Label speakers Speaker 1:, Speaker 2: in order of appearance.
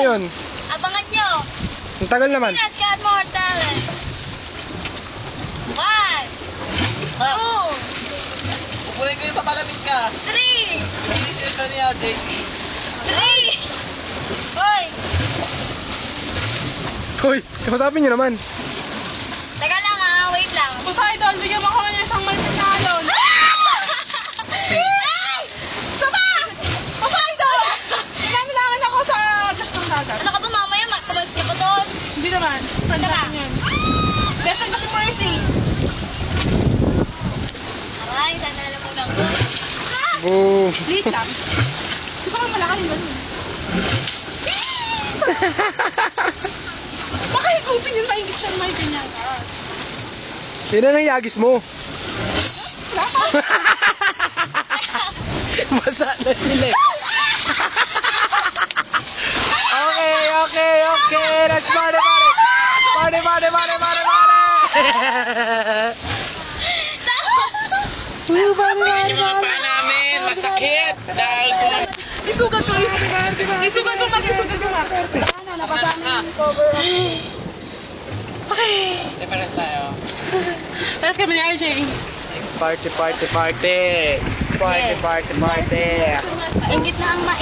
Speaker 1: yun?
Speaker 2: Abangan nyo.
Speaker 1: Ang tagal naman.
Speaker 2: Pinas got more talent. 1, 2,
Speaker 3: Kukunin ko yung papalamig ka.
Speaker 2: 3,
Speaker 3: Pinitin ito niya, JP.
Speaker 2: 3. Hoy,
Speaker 1: Hoy, kausapin nyo naman.
Speaker 2: teka lang wait lang.
Speaker 4: Poseidon, bigyan mo kami ng isang malpinalon. Sama! Poseidon! Nangilangan ako sa gastong dagat.
Speaker 2: Ano ka ba mamaya? Magtabals ka pa doon.
Speaker 4: Hindi naman. Friend
Speaker 2: Sama.
Speaker 4: natin yun. Best friend ko si Mercy.
Speaker 2: Ay, sana alam mo lang ko.
Speaker 1: Boom.
Speaker 4: Liit lang. Gusto ko malaki yung ganun. Baka higupin yun, maingit siya, may ganyan.
Speaker 1: Yun na ng yagis mo. Basa na sila eh. Okay. Let's party. Party. Party.
Speaker 3: namin, masakit. Dahil sa...
Speaker 4: Isugat ko, Isugat ko, Mark. Ano, napasama yung cover. Okay.
Speaker 3: Paras tayo.
Speaker 4: Paras kami ni RJ.
Speaker 1: Party.
Speaker 2: Ingit na ang